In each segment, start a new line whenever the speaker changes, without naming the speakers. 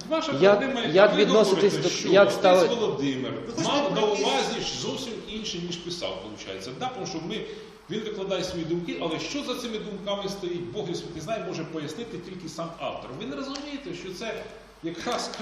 Ваша
як відноситись до...
що
Як
отець
ставить...
Володимир мав на увазі зовсім інше, ніж писав, виходить. Да, тому що він викладає свої думки, але що за цими думками стоїть, Бог і Святий знає, може пояснити тільки сам автор. Ви не розумієте, що це якраз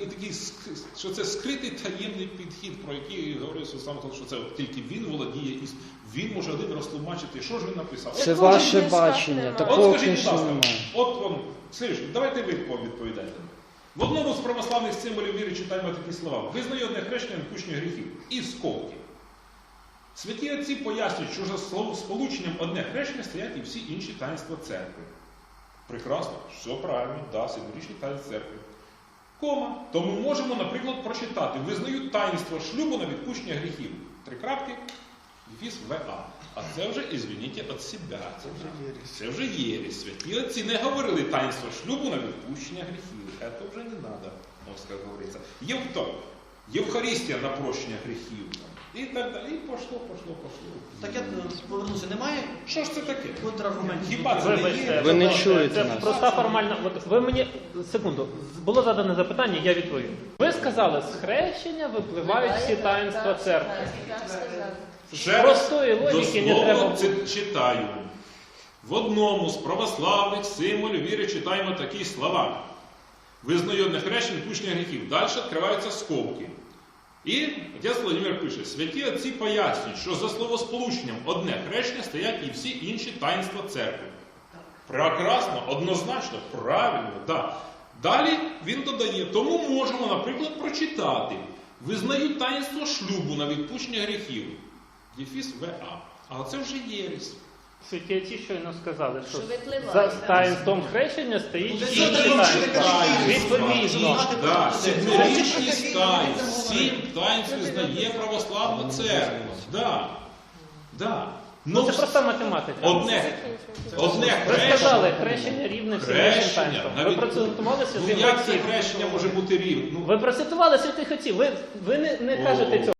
що це скритий таємний підхід, про який говорив сам, що це от тільки він володіє, і він може один розтлумачити, що ж він написав.
Це ваше бачення, такого книжки немає.
Сергій, давайте ви відповідаєте. В одному з православних символів віри читаємо такі слова. Визнає одне хрещення відпущення гріхів. І сколки. Святі отці пояснюють, що за сполученням одне хрещення стоять і всі інші таїнства церкви. Прекрасно, все правильно, да, символічні таїнства церкви. Кома. Тому можемо, наприклад, прочитати. Визнають таїнство шлюбу на відпущення гріхів. 3 крапки. Дефіс ВА. А це вже, извините, від себе. Це вже єресь. Святі отці не говорили таїнство шлюбу на відпущення гріхів. Це вже не треба, як говориться. Євхаристія на прощення гріхів. І так далі. І пошло.
Так я повернуся, немає?
Що ж це таке?
Контраргументів.
Хіба це не є?
Ви не чуєте
Це
нас.
проста формальна... От ви мені... Секунду. Було задане запитання, я відповім. Ви сказали, з хрещення випливають всі таїнства церкви.
Ще
Простої логіки не треба.
дословно читаю. В одному з православних символів віри читаємо такі слова. Визнаю одне хрещення відпущення гріхів. Далі відкриваються скобки. І отець Володимир пише, святі отці пояснюють, що за словосполученням одне хрещення стоять і всі інші таїнства церкви. Прекрасно, однозначно, правильно, да. Далі він додає, тому можемо, наприклад, прочитати. Визнають таїнство шлюбу на відпущення гріхів. Дефіс ВА. А це вже єресь.
Святі отці щойно сказали, що
Що випливає,
за
так.
таїнством хрещення стоїть
Ну,
всі
це
інші
треба
таїнства.
читати.
Відповідно.
Да, сімирічність таїнств, 7 таїнств визнає православна церква. Да.
Ну, це проста математика.
Одне
Ви сказали,
хрещення.
хрещення рівне всім іншим таїнствам. Ви процитували
Ну
святих
як це
отців.
хрещення може бути рівне?
Ви процитували святих отців. Ви не кажете цього.